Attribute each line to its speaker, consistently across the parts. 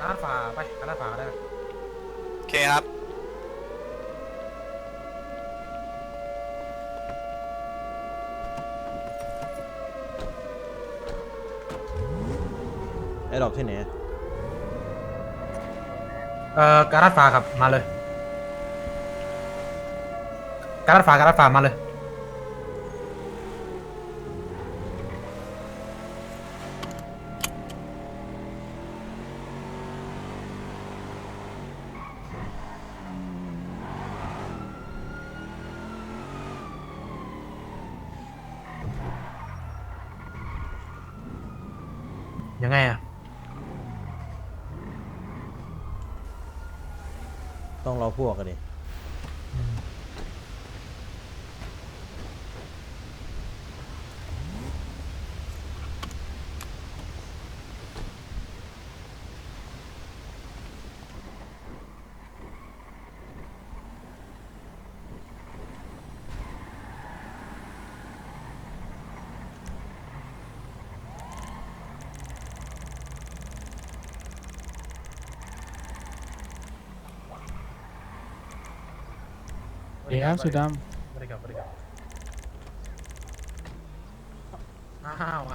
Speaker 1: ลาดฟ้าไปกาลาดฟ้าก็ได้
Speaker 2: โอเคครับ
Speaker 3: ไอ้ดอกที่ไหน
Speaker 1: กาลาดฟ้าครับมาเลยกาลาดฟ้ามาเลยยังไงอ่ะ
Speaker 3: ต้องรอพวกกันดิ
Speaker 4: เดี๋ยวสุดด
Speaker 1: บริการอ้าว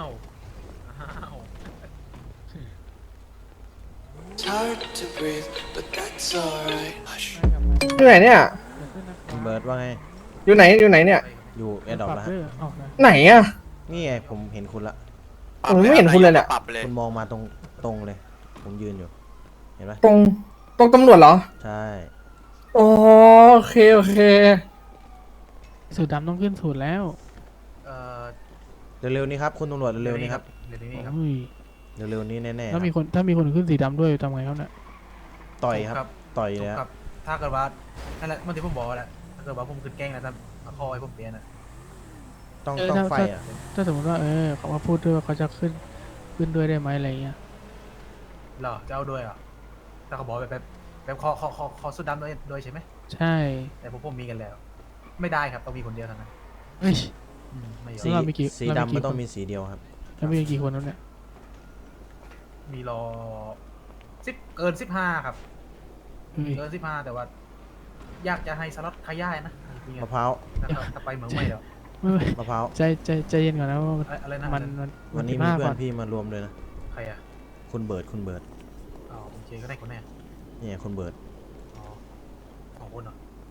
Speaker 2: It's hard to breathe but that's alright Hush
Speaker 4: ำ
Speaker 5: อยู่ไหนเนี่ย
Speaker 3: คุณเบิร์ดว่าไง
Speaker 5: อยู่ไหนเนี่ย
Speaker 3: อยู่แอร์ดรอปแล้วฮะ
Speaker 5: ไหนอะ
Speaker 3: นี่ไงผมเห็นคุณละ
Speaker 5: ผมไม่เห็นคุณเลยเนี่ย
Speaker 2: ปรับเลย
Speaker 3: คุณมองมาตรงเลย ผมยืนอยู่ เห็นไหม
Speaker 5: ตรงตำรวจเหรอ
Speaker 3: ใช่
Speaker 5: อ๋อโอเค
Speaker 4: สุดดำต้องขึ้นสูตรแล้ว
Speaker 1: เอ่อ
Speaker 3: เร็วๆนี้ครับคุณตำรวจเร็วๆนี้ครับ
Speaker 1: เดี๋ยวนี้ครับ
Speaker 4: อุ้ย
Speaker 3: เร็วๆนี้แน่ๆค
Speaker 4: ถ้า
Speaker 3: รับ
Speaker 4: มีคนขึ้นสีดำด้วยทำไงครับเนี่ย
Speaker 3: ต่อยครับ ต่อยเลย
Speaker 1: ค
Speaker 3: ค
Speaker 1: รั
Speaker 3: รั
Speaker 1: บบ ถ้าเกิดว่านั่นแหละเมื่อที่ผมบอกแหละถ้าเกิดว่าผมขึ้นแกล้งแล้วถ้ามาคอให้ผมเปลี่ยนอ่ะ
Speaker 3: ต้องไฟอ่ะ
Speaker 4: ถ้าสมมติว่าเขามาพูดด้วยว่าเขาจะขึ้นด้วยได้ไหมอะไรเงี้ย
Speaker 1: เหรอจะเอาด้วยเหรอถ้าเขาบอกแบบคอสุดดำด้วยใช่ไหม
Speaker 4: ใช่
Speaker 1: แต่ผมมีกันแล้ว ไม่ได้ครับต้องมีคนเดียวเท่านั้น
Speaker 4: เฮ้ย
Speaker 1: ไม่ยอ
Speaker 3: สี
Speaker 1: ม
Speaker 4: เรามีกี่
Speaker 3: สี
Speaker 4: เรามี
Speaker 3: ดำ
Speaker 4: กี่
Speaker 3: มันต้อ
Speaker 4: ค
Speaker 3: ง
Speaker 4: น
Speaker 3: มีสีเดียวครับ
Speaker 4: แล้วมีกี่คนแล้วเนี่ย
Speaker 1: มีรอเกิน15ครับ
Speaker 4: เฮ้ย
Speaker 1: เกิน15แต่ว่า อยากจะให้สล็อตขยายนะ
Speaker 3: มะพร้าว
Speaker 1: ถ้าไปเหมืองไม่เดี๋ยว
Speaker 4: ไม่
Speaker 3: มะพร้าว
Speaker 4: ใจเย็นก่อนนะว่า
Speaker 1: อะไรนะ
Speaker 3: วันนี้มี
Speaker 4: 15
Speaker 3: เพื่
Speaker 4: ก่
Speaker 3: อนพี่มารวมเลยนะ
Speaker 1: ใครอ่ะ
Speaker 3: คุณเบิร์ด
Speaker 1: อ๋อโอเคก็ได้คนแน่
Speaker 3: นี่ไงคุณเบิร์ด
Speaker 1: อ๋อของคนเหรอ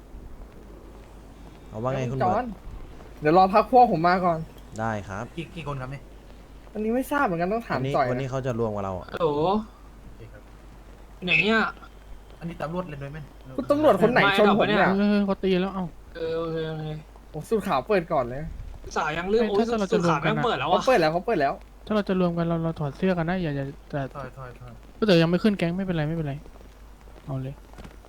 Speaker 3: เอาว่าไงคุณ
Speaker 5: จ
Speaker 3: เบิ
Speaker 5: อ
Speaker 3: ร์
Speaker 5: น
Speaker 3: ด
Speaker 5: เดี๋ยวรอพักพวกผมมาก่อน
Speaker 3: ได้ครับ
Speaker 1: กี่คนครับเนี่ย
Speaker 5: อันนี้ไม่ทราบเหมือนกันต้องถาม
Speaker 3: วันนี้
Speaker 5: จ่อย
Speaker 3: วันนี้
Speaker 5: นะ
Speaker 3: เขาจะรวมกับเราอะ
Speaker 6: ฮัลโหล
Speaker 1: โอเคครับ
Speaker 6: ไหนอ่ะ
Speaker 1: อันนี้ตำรวจเล่นด้วยไหม
Speaker 5: คุณตำรวจคนไหนชนผมเนี่ย
Speaker 4: เขาตีแล้วเอ้า
Speaker 6: โอเค
Speaker 5: ผมสูตรขาวเปิดก่อนเลย
Speaker 6: สายยังเรื่องโอ้ย
Speaker 4: ถ้าเรา
Speaker 6: สุ
Speaker 4: จะ
Speaker 6: ด
Speaker 4: รว
Speaker 6: ขาม
Speaker 4: กัน
Speaker 6: แม่ง
Speaker 4: อะ
Speaker 6: เปิดแล้ว
Speaker 5: เขา
Speaker 6: อ่ะ
Speaker 5: เปิดแล้ว
Speaker 4: ถ้าเราจะรวมกันเราถอดเสื้อกันนะอย่าแต่
Speaker 1: ถอย
Speaker 4: แต่ยังไม่ขึ้นแก๊งไม่เป็นไรเอาเลย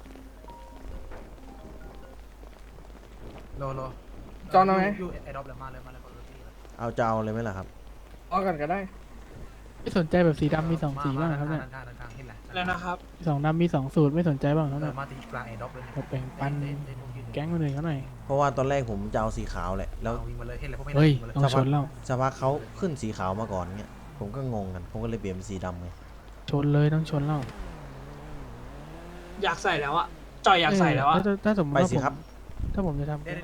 Speaker 1: รอ
Speaker 5: จอนเอาไหม
Speaker 1: ยูไอดอปเลยมาเลยคนละทีเลย
Speaker 3: เอาจะเอาเลยไหมล่ะครับ
Speaker 5: เอากันก็ได้
Speaker 4: ไม่สนใจแบบสีดำมีสองสีบ้างครับเนี่ย
Speaker 1: ด้านข้างเห็นแหละ
Speaker 6: แล้วนะครับ
Speaker 4: สองดำมี2 สูตรไม่สนใจบ้างครับเนี่ย
Speaker 1: มาที่กลางไอดอปเลย
Speaker 4: แบบแบ่งปันแก๊งคนอื่นเขาหน่อย
Speaker 3: เพราะว่าตอนแรกผมจะเอาสีขาวแหละ แล้ว
Speaker 1: วิ่งมาเลยเห็นแล้วพวกไม่
Speaker 4: เฮ้ย
Speaker 1: มาเลย
Speaker 4: ต้องชนแล้ว
Speaker 3: สักพักเขาขึ้นสีขาวมาก่อนเงี้ย ผมก็งงกัน ผมก็เลยเปลี่ยนเป็นสีดำไง
Speaker 4: ชนเลยต้องชนแล้ว
Speaker 6: อยากใส่แล้วอ่ะจอยอยากใส่แล้วอ่ะ
Speaker 4: ถ้าสมมติ
Speaker 3: ไป
Speaker 4: ว่า
Speaker 3: สิ
Speaker 4: ผม
Speaker 3: ครับ
Speaker 4: ถ้าผมจะทำ
Speaker 1: เดี๋ยว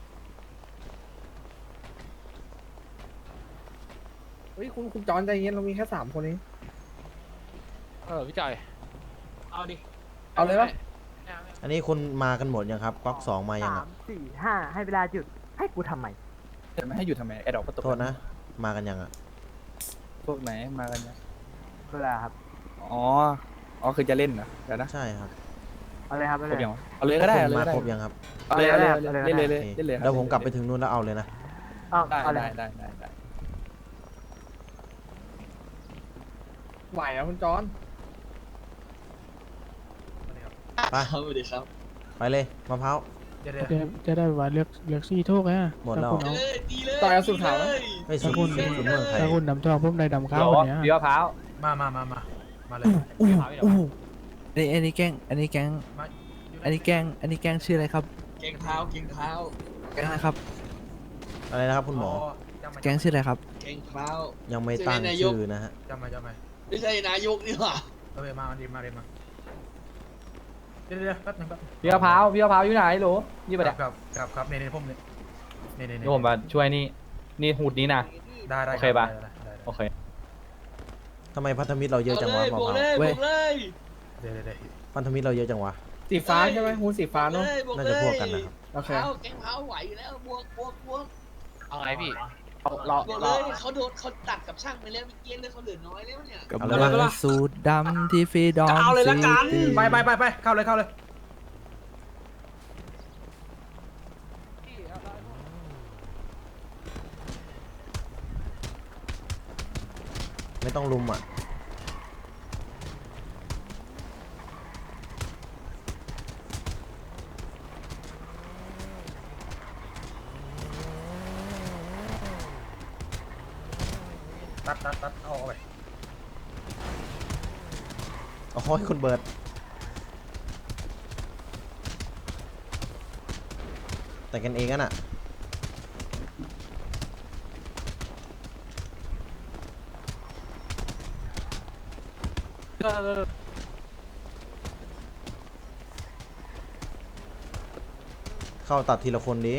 Speaker 5: เฮ้ยคุณจอนใจเย็นเรามีแค่3 คนเอง
Speaker 7: พี่จ่อย
Speaker 6: เอาดิ
Speaker 5: เอาเลยปะ
Speaker 3: อันนี้คุณมากันหมดยังครับก๊อกสองมายัง
Speaker 8: 3
Speaker 3: อะ
Speaker 8: 4 5 ให้เวลาหยุด ให้กูทำไม
Speaker 7: จะไม่ให้อยู่ทำไมไอ้ดอกก็ตก
Speaker 3: โทษนะ มากันยังอะ
Speaker 7: พวกไหนมากันนะ
Speaker 8: เวลาครับ
Speaker 7: อ๋อคือจะเล่นเหรอเดี๋ยวนะ
Speaker 3: ใช่ครับ
Speaker 8: เอาเลยครับ เอา
Speaker 7: คร
Speaker 8: เล
Speaker 7: บ
Speaker 8: ย
Speaker 7: ยังวะเอาเลยก็ได้
Speaker 3: คุ
Speaker 7: เอา
Speaker 3: ณ
Speaker 7: เลย
Speaker 3: มา
Speaker 7: ก็ได้
Speaker 3: ครบยังครับ
Speaker 7: เอาเลยเอาเลย
Speaker 8: เอาเลย
Speaker 7: เล่นเลย
Speaker 3: โอเค
Speaker 7: เล่นเลยครับ
Speaker 3: เดี๋ยวผมกลับไปถึงนู่นแล้วเอาเลยนะ
Speaker 8: เอา
Speaker 7: ได้
Speaker 8: เอาเลย
Speaker 7: ได้
Speaker 5: ไหวอะคุณจอน
Speaker 3: ไป
Speaker 6: สวัสดีครับ
Speaker 3: ไปเลยมะพร้าว
Speaker 4: จะได้ว่าเลือกสีโทกอ่ะ
Speaker 3: หมดแล้ว
Speaker 5: จ่อยเอาสูตรขาวไหม
Speaker 3: ไม่สีคุณเมืองไทย
Speaker 4: ถ้าคุณดำทองพุ่มใดดำขาวคนเนี้ย
Speaker 7: เดี๋ยวพร้าว
Speaker 1: มาเลย
Speaker 9: อันนี้แกล้งอันนี้แกล้งอันนี้แกล้งชื่ออะไรครับ
Speaker 6: เก่งเท้า
Speaker 9: แกล้งนะครับ
Speaker 3: อะไรนะครับคุณหมอ
Speaker 9: แกล้งชื่ออะไรครับ
Speaker 6: เก่งเท้า
Speaker 3: ยังไม่ตั้งชื่อนะฮะ
Speaker 1: จำมา
Speaker 6: ไม่ใช่นายกนี่หว่า
Speaker 1: มาดีมาเดี๋ยวแป๊บนึง
Speaker 10: พี่มะพร้าวอยู่ไหนหรอยี่ไปเดี๋ยว
Speaker 1: ครับในผมเนี่ยนี่
Speaker 10: นี่ผมมาช่วยนี่หูดนี้นะ
Speaker 1: ได้
Speaker 10: โอเคปะ
Speaker 1: ได้
Speaker 10: โอเค
Speaker 3: ทำไมพันธมิตรเราเยอะจังวะมะพร้าว
Speaker 9: เว้ย
Speaker 1: เดี๋ยว
Speaker 3: พันธมิตรเราเยอะจังวะ
Speaker 5: สีฟ้าใช่ไหมหูสีฟ้าเนาะ
Speaker 3: น่าจะพวกกันนะครับ
Speaker 5: โอเค
Speaker 6: แกงเผาไหวอยู่แล้วบวก
Speaker 10: เอาไงพี่
Speaker 6: บวกเลยเขาโดนเขาตัดกับช่างไปแล้วเมื่อกี้เลยเขาเหลือน้อยแล้วเนี่ย
Speaker 9: กำลังสูดดำที่ฟรีดอม
Speaker 6: เอาเลยละกัน
Speaker 9: ซิตี้
Speaker 1: ไปเข้าเลย
Speaker 3: ไม่ต้องลุมอ่ะ
Speaker 1: ตัดเอาไป
Speaker 3: โอ้ยคุณเบิร์ดแต่กันเองกันอ่ะเข้าตัดทีละคนดิ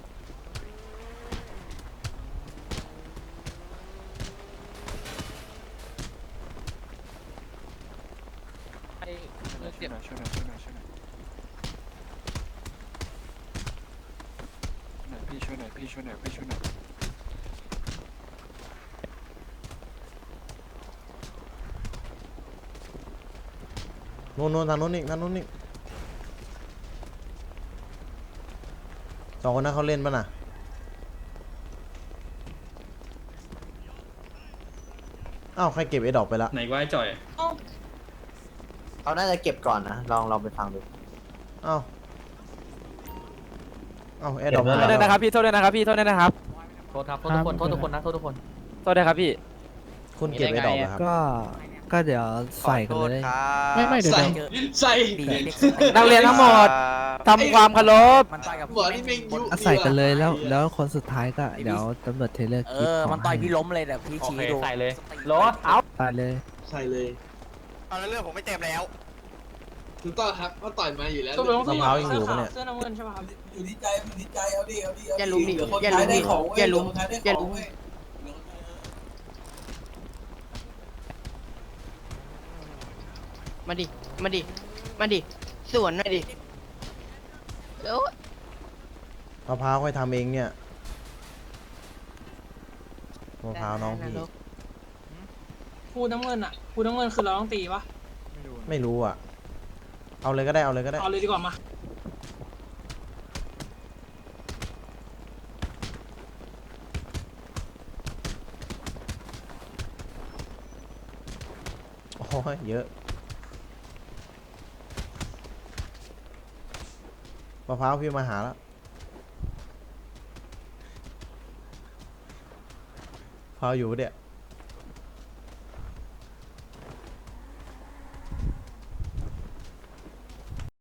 Speaker 3: นู่นทางนู้นอีกสองคนนั้นเขาเล่นป่ะน่ะอ้าวใครเก็บไอ้ดอกไปละ
Speaker 10: ไหนว่าจ่อย
Speaker 8: เขาน่าจะเก็บก่อนนะ ลองไปฟังดู
Speaker 3: อ้าวไอ้ดอก
Speaker 10: โทษด้วยนะครับพี่โทษด้วยนะครับพี่โทษด้วยนะครับโทษครับโทษทุกคนโทษทุกคนนะโทษทุกคนโทษด้วยครับพี่
Speaker 3: คุณเก็บไอ้ดอกเหรอครับ
Speaker 9: ก็เดี๋ยวใส่กันเลย
Speaker 4: ไม่เดี๋ยว
Speaker 6: ใส่
Speaker 10: นักเรียนทั้งหมดทำความเคารพ
Speaker 6: หัวนี่แม่งยุ
Speaker 9: อ่ะใส่กันเลยแล้วคนสุดท้ายก็เดี๋ยวตำรวจเทเลอร์กิฟต์
Speaker 8: มันต่อยพี่ล้มเลยเดี๋ยวพี่
Speaker 10: โอ
Speaker 8: ชี้
Speaker 10: เค
Speaker 8: ดู
Speaker 10: ใส่เลยโหลเอา
Speaker 9: ตายเลย
Speaker 6: ใส่เลย
Speaker 7: เอาแล้วเรื่องผมไม่เต็มแล้ว
Speaker 6: ถูกต้องครับก็ต่อยมาอยู่แล้ว
Speaker 3: มะพร้าวยังอยู่ปะเนี่ย
Speaker 6: เสื้อน้ำเงินใช่ไหมครับ
Speaker 8: อย่าลุมดิอย่าลุมดิอย่าลุมมาดิสวนหน่อยดิโอ้ย
Speaker 3: มะพร้าวค่อยทำเองเนี่ยมะพร้าวน้องพี่
Speaker 6: พูดน้ำเงินคือเราต้องตีปะ
Speaker 3: ไม่รู้อ่ะเอาเลยก็ได้
Speaker 6: เอาเลยดีกว่ามา
Speaker 3: โอ้ยเยอะมะพร้าวพี่มาหาแล้วมะพร้าวอยู่ปะเนี่ย